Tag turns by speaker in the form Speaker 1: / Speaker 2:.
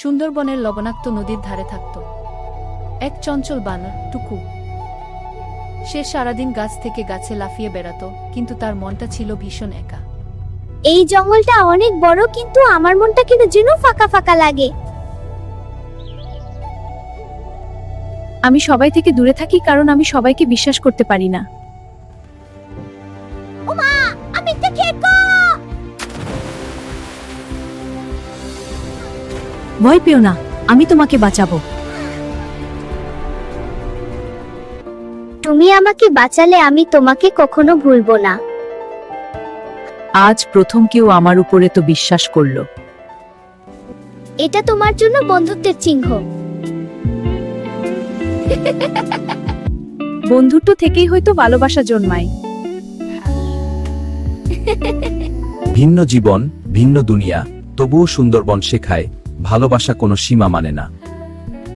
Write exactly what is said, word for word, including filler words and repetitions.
Speaker 1: সুন্দরবনের লবণাক্ত নদীর ধারে থাকত এক চঞ্চল বানর, টুকু। সে সারাদিন গাছ থেকে গাছে লাফিয়ে বেড়াত, কিন্তু তার মনটা ছিল ভীষণ একা।
Speaker 2: এই জঙ্গলটা অনেক বড়, কিন্তু আমার মনটা কিন্তু যেন ফাঁকা ফাঁকা লাগে।
Speaker 3: আমি সবাই থেকে দূরে থাকি কারণ আমি সবাইকে বিশ্বাস করতে পারি না।
Speaker 2: ওমা, আমি তো খেকো।
Speaker 3: ভয় পেও না, আমি তোমাকে বাঁচাবো।
Speaker 2: তুমি আমাকে বাঁচালে আমি তোমাকে কখনো ভুলবো না।
Speaker 3: আজ প্রথম কেউ আমার উপরে তো বিশ্বাস করলো।
Speaker 2: এটা তোমার জন্য বন্ধুত্বের চিহ্ন।
Speaker 3: বন্ধুত্ব থেকেই হয়তো ভালোবাসা জন্মায়।
Speaker 4: ভিন্ন জীবন, ভিন্ন দুনিয়া, তবুও সুন্দরবন শেখায় ভালোবাসা কোনো সীমা মানে না।